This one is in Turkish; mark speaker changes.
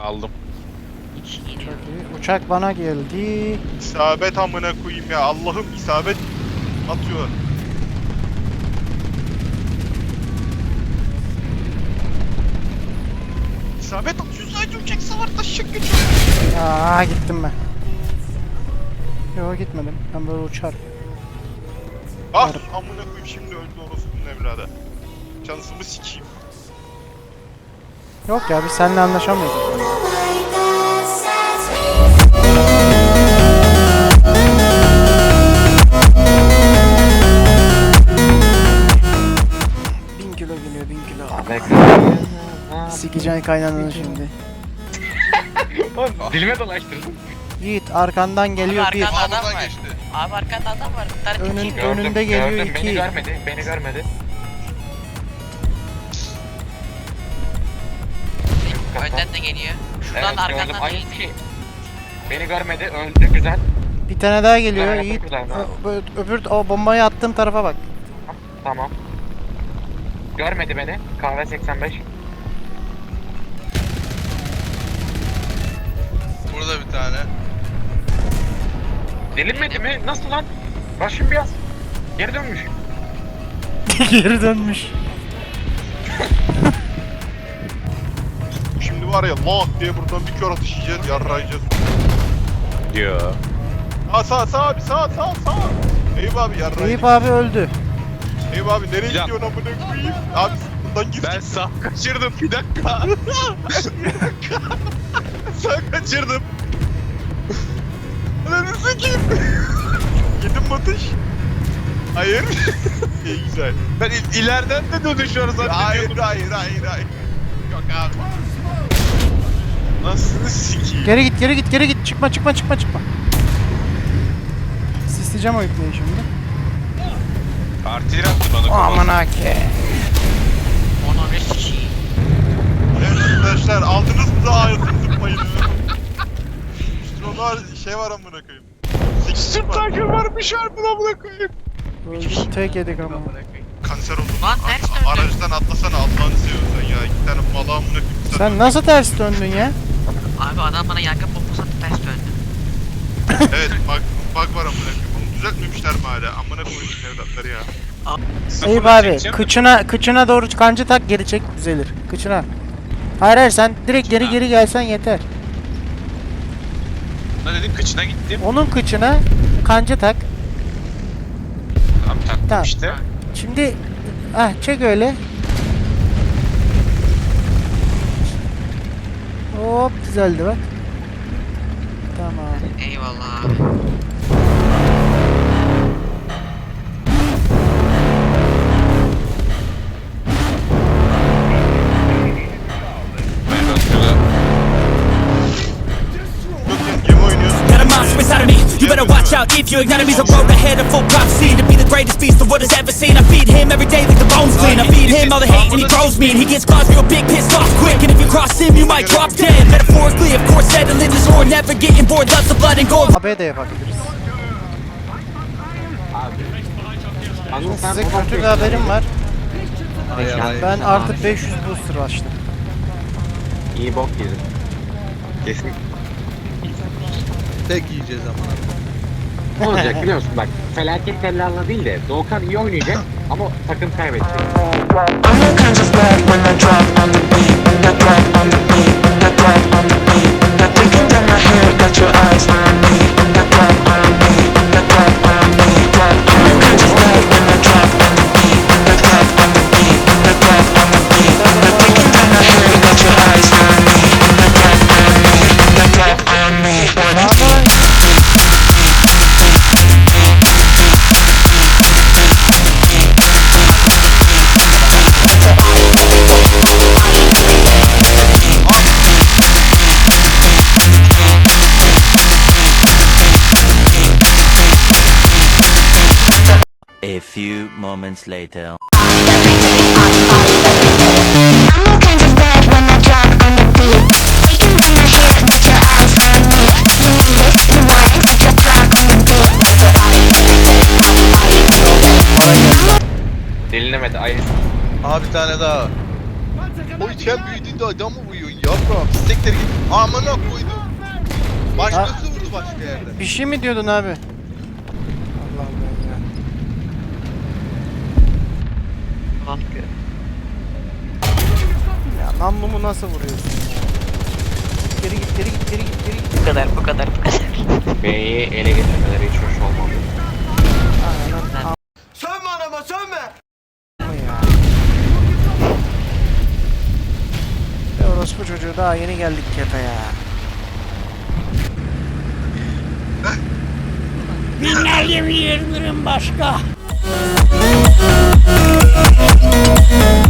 Speaker 1: Aldım.
Speaker 2: İki geliyor.
Speaker 3: Çok iyi. Uçak bana geldi.
Speaker 4: İsabet amına koyayım ya. Allah'ım isabet atıyor. İsabet atıyor. Sadece uçak savar taşacak geçiyor.
Speaker 3: Aa gittim ben. Yok gitmedim. Ben böyle uçarım.
Speaker 4: Ah amına koyayım şimdi öldü orospunun evladı. Şansımı sikeyim.
Speaker 3: Yok ya biz seninle anlaşamıyoruz. Bin kilo geliyor 1000 kilo. Sikeceksin kaynananı şimdi.
Speaker 1: Dilime dolaştırdım.
Speaker 3: Yiğit arkandan geliyor
Speaker 2: Abi
Speaker 3: bir.
Speaker 2: arkanda adam
Speaker 4: Arabadan
Speaker 2: var.
Speaker 4: geçti.
Speaker 2: Abi arkanda adam var. Bir tane
Speaker 3: Önün-
Speaker 2: iki.
Speaker 3: Ön- Önünde geliyor
Speaker 1: gördüm.
Speaker 3: iki.
Speaker 1: Beni görmedi.
Speaker 2: Önden de geliyor. Şuradan
Speaker 1: Evet,
Speaker 2: da
Speaker 1: gördüm.
Speaker 2: arkandan da
Speaker 1: Aynı
Speaker 2: geliyor.
Speaker 1: şey. Beni görmedi, öldü güzel.
Speaker 3: Bir tane daha geliyor
Speaker 1: Evet,
Speaker 3: Yiğit.
Speaker 1: güzel, evet.
Speaker 3: Öbür o bombayı attığım tarafa bak.
Speaker 1: Tamam. Görmedi beni. Kahve 85.
Speaker 4: Burada bir tane.
Speaker 1: Delinmedi mi? Nasıl lan? Başım biraz. Geri dönmüş.
Speaker 3: Geri dönmüş.
Speaker 4: Şimdi var ya lak diye buradan bir kör atış yiyeceğiz, yarrayacağız.
Speaker 1: Yo.
Speaker 4: Sağ abi sağ. Eyüp abi yarrayacağız.
Speaker 3: Eyüp abi öldü.
Speaker 4: Eyüp abi nereye
Speaker 1: Ya.
Speaker 4: gidiyorsun amına koyayım? Abi buradan gir.
Speaker 1: Ben sağ kaçırdım. Bir dakika.
Speaker 4: Sağ kaçırdım. Ananı sikeyim. Yedim mi atış? Hayır. İyi güzel.
Speaker 1: Ben ileriden de dönüşüyoruz
Speaker 4: Hayır. Yok abi. Nasıl sikeyim?
Speaker 3: Geri git. Çıkma. Sisleyeceğim o ipneyi şimdi.
Speaker 1: Artileri attı bana.
Speaker 3: Aman hake.
Speaker 2: Ona ne sikiyim.
Speaker 4: Evet arkadaşlar aldınız mı da hayatınızın payını? Stronlar şey var amına koyayım.
Speaker 1: Süper varmış harbiden amına koyayım.
Speaker 3: Öldü tek yedik ama.
Speaker 4: Kanser oldum.
Speaker 2: Lan ters döndü.
Speaker 4: Aracdan atlasana Allah'ını seviyorsan ya. İki tane mala amına koyayım.
Speaker 3: Sen nasıl ters döndün ya?
Speaker 2: Abi adam bana yangın bombası attı ters döndü.
Speaker 4: Evet bug var amına koyayım. Onu düzeltmemişler mi hala? Amına koyayım evlatları ya.
Speaker 3: Eyüp abi kıçına doğru kancı tak geri çek düzelir. Kıçına. Hayır sen direkt geri gelsen yeter.
Speaker 1: Ne dedim kıçına gittim.
Speaker 3: Onun kıçına kancı tak.
Speaker 1: Tamam taktım
Speaker 3: Tamam.
Speaker 1: işte.
Speaker 3: Şimdi çek öyle. Hop düzeldi bak. Tamam.
Speaker 2: Eyvallah abi.
Speaker 4: Yok ya gemi oynuyorsun.
Speaker 5: Got a monster inside of me. You better watch out if you ignite me. The road ahead of full prophecy to be the greatest beast the world has ever seen. I feed him every day like the bones clean. I feed him all the hate and he grows me. And he gets claws real big, pissed off quick. And if you cross him, you might drop dead. Metaphorically, of course, settling the score, never getting bored. Loves the blood and gore.
Speaker 3: AB de yapabiliriz. Size kötü bir haberim var. Ben artık 500 booster açtım.
Speaker 1: İyi bok yedim. Kesin.
Speaker 6: Tek yiyeceğiz ama.
Speaker 1: Ne olacak biliyor musun bak. Felaket tellallah değil de Doğukan iyi oynayacak ama takım kaybedecek.
Speaker 7: I'm the kind of bad when I drop on the beat, when I drop on the beat, when I drop on the beat. Got thinking down my head, got your eyes on me, when I drop on me, when I drop on me, drop. I'm the kind of bad when I drop on the beat, when I drop on the beat, when I drop on the beat. Got thinking down my head, got your eyes on me, when I drop on me, when I drop on me.
Speaker 8: A few moments later.
Speaker 7: I'm all kinds of bad when I drop on the beat. Taking down my hair, got your eyes on me. You lift the wine, got your drop on the beat.
Speaker 1: Delinemedi ayı.
Speaker 6: Abi bir tane daha. O içken büyüdüğünde adam mı uyuyorsun yavrum? Siktir git.
Speaker 4: Amına koydum. Başkası vurdu başka yerde.
Speaker 3: Bir şey mi diyordun abi? Allah Allah ya.
Speaker 2: Lan
Speaker 3: Ya namlumu nasıl vuruyorsun ya? Geri git, geri git, geri git, geri git.
Speaker 2: bu kadar.
Speaker 1: B'yi ele getirmeleri hiç hoş olmadı.
Speaker 3: Aynen.
Speaker 4: Sönme anama sönme.
Speaker 3: Ama ya. Ve orospu çocuğu daha yeni geldik kepe ya. Binlerce bir başka.